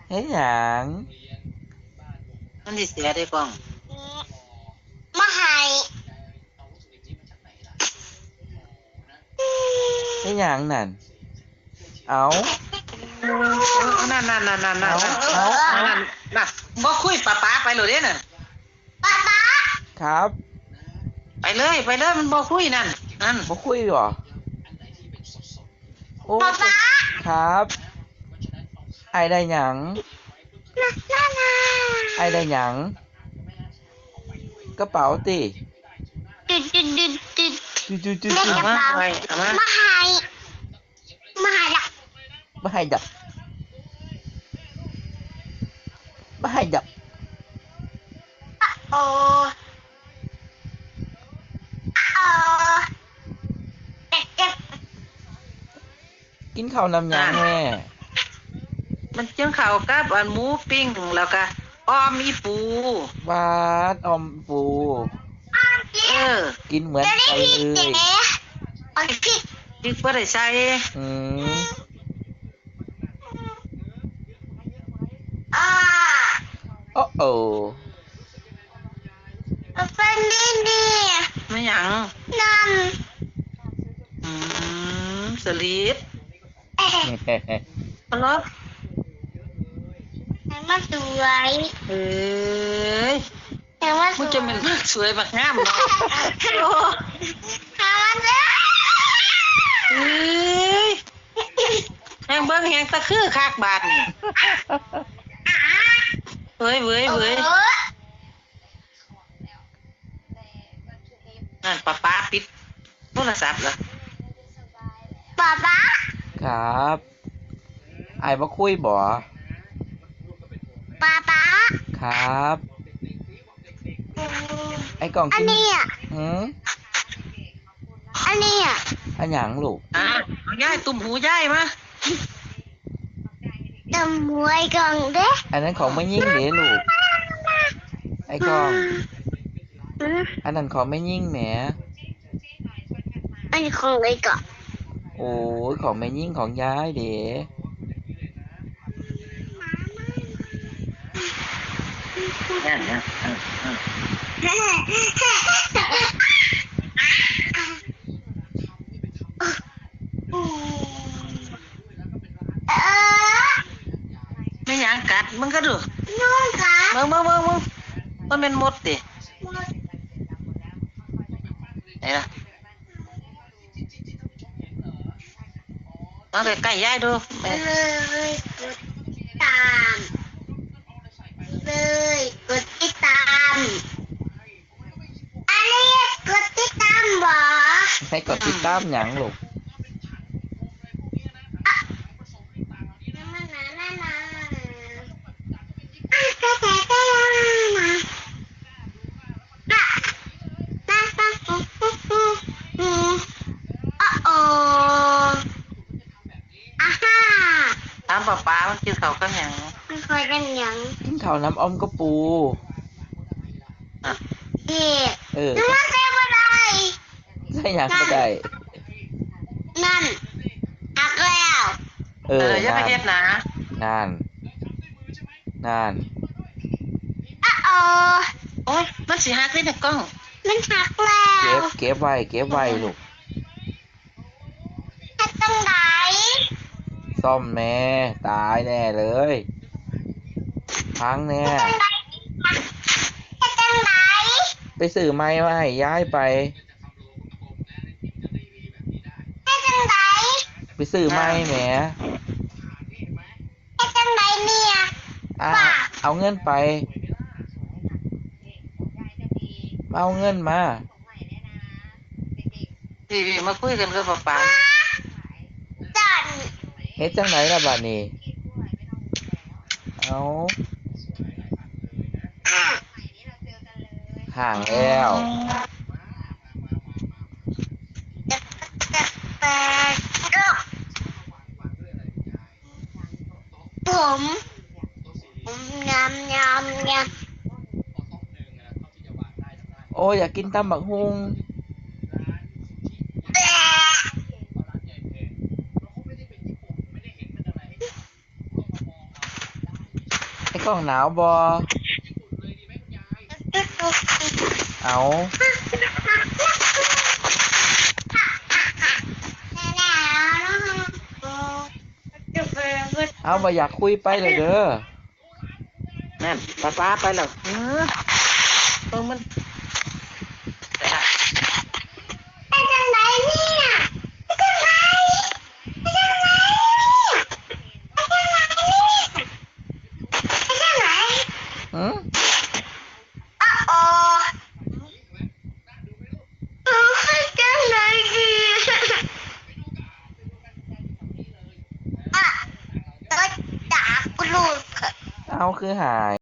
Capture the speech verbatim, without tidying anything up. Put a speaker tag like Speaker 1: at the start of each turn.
Speaker 1: เฮ็ดหยัง
Speaker 2: มันสิเสียได้ป้อง
Speaker 3: มาให้
Speaker 1: เฮ็ดหยังนั่นเอา
Speaker 2: นั่นนั่นนั่นนั่นนั่น
Speaker 1: เอาเอา
Speaker 2: นั่นน่ะบ่คุยป้าป้าไปเลยเด้น่ะ
Speaker 3: ป๊าป๊า
Speaker 1: ครับ
Speaker 2: ไปเลยไปเลยมันบ่คุยนั่นนั่น
Speaker 1: บ่คุยหรอโอ้
Speaker 3: ป๊าป๊า
Speaker 1: ครับไอ้ได้หยัง
Speaker 3: น่าน่า
Speaker 1: ไอ้ได้หยังกระเป๋าติ
Speaker 3: ดึดดึดดึดดึด
Speaker 1: จุจุจุ
Speaker 3: เล่น
Speaker 1: จุ
Speaker 3: กระเป๋ามาให้มาให้ละ
Speaker 1: บ่ให้ดับบ่ให้ดับ
Speaker 3: โอ้โอ้เด็กเด็ก
Speaker 1: กินข้าวนำหยังแม่
Speaker 2: มันจึงเข้ากับอันหมูปิ้งแล้วก็อ้อมอีปู
Speaker 1: บาดออมปู
Speaker 2: เออ
Speaker 1: กินเหมือนกันเลย
Speaker 3: โอ้ยพี่
Speaker 2: พริกบ่ได้ใส่
Speaker 1: อืม
Speaker 3: อ่า
Speaker 1: โอ้โอ้
Speaker 3: เป็นนี่นี่
Speaker 2: ไม่หยัง
Speaker 3: นั่น
Speaker 2: อืมสลิด
Speaker 3: เอ๊ะ
Speaker 2: ฮัลโหล
Speaker 3: ให้มาสวย
Speaker 2: เอ้ย
Speaker 3: ให้มาส
Speaker 2: มึง
Speaker 3: วย
Speaker 2: จะเป็นสวยบักงามเนาะ
Speaker 3: ให้มาสวย
Speaker 2: เอ้ยแฮงเบิ่งแฮงตะคือคักบาดนี่เว้ยเว้ยเว้ยนั่นป้าป้าปิดโทรศัพท์เหรอ
Speaker 3: ป๊าป๊า
Speaker 1: ครับไอ้บ่คุยบ่
Speaker 3: ป๊าป๊า
Speaker 1: ครับไอ้กล่อง
Speaker 3: อั
Speaker 1: กิน
Speaker 3: นนี้อ่ะ
Speaker 1: หืม
Speaker 3: อันนี้อ่ะ
Speaker 1: อันหยังลูก
Speaker 2: อ่ะยายตุ่มหูยายมา
Speaker 3: จำหวยกล่องเด้
Speaker 1: อันนั้นของไม่ยิ่งเด้ลูกไอ้กล่องอันนั้นของไม่ยิ่งแหม
Speaker 3: อันนี้ของไอ้ก่อน
Speaker 1: โอ้ยของแม่ยิ่งของยายเด้
Speaker 2: นั่นนะไม่หยังกัดมึงก็ดู
Speaker 3: นุ่งค่ะ
Speaker 2: มึงมึงมึงมึงมันเป็นมดดิไหนล่ะเอาใกล้ๆยายดู
Speaker 3: เลยกดตามเลยกดติดตามอันนี้กดติดตามบ่
Speaker 1: ให้กดติดตามหยังลูก
Speaker 2: ถามป้าป้ามันกินข้าวกันหยัง
Speaker 3: ไม่เคยกันยัง
Speaker 1: กินข้าวน้ำอ้อมกระปู
Speaker 3: เด็ก
Speaker 1: เออ
Speaker 3: นั่นใช่บ่ได้
Speaker 1: ใช่หยังก็ได้
Speaker 3: นั่นหักแล้ว
Speaker 1: เออ
Speaker 2: อย่าไปเฮ็ดนะ
Speaker 1: นั่นนั่น
Speaker 3: อ้าว
Speaker 2: โอ้ยมันสิหักเลยนะกล้อง
Speaker 3: มันหักแล้ว
Speaker 1: เก็บเก็บไว้เก็บไว้ลูก
Speaker 3: หักตรงไหน
Speaker 1: ซ่อมแน่ตายแน่เลยพังแน่
Speaker 3: หักตรงไหน
Speaker 1: ไปซื้อไม้มาให้ย้ายไป
Speaker 3: หักตรงไหน
Speaker 1: ไปซื้อไม้แหม
Speaker 3: หักตรงไหนเนี่ย
Speaker 1: อ่ะเอาเงินไปเอาเงินมา
Speaker 2: พี่มาคุยกันกับป้าป้า
Speaker 3: จัน
Speaker 1: เฮ็ดจังไหนล่ะบัดนี้เอาห่างแล้ว
Speaker 3: ผมผมยำยำยำ
Speaker 1: โอ้อยากกินตำบักฮุงไอ้กล้องหนาวบอเอาเอาบ่อยากคุยไปเลยเด้อ
Speaker 2: นั่นป้าป้าไปแล้วเออเบิ่งมันไปละ
Speaker 3: ไปทางไหนเนี่ยไปทางไหนไปทางไหนไปทางไหนไปทางไหน
Speaker 1: หืม
Speaker 3: อ๋ออ๋อเออไปทางไหนดีอ่ะรถจากลูก
Speaker 1: เอาคือหาย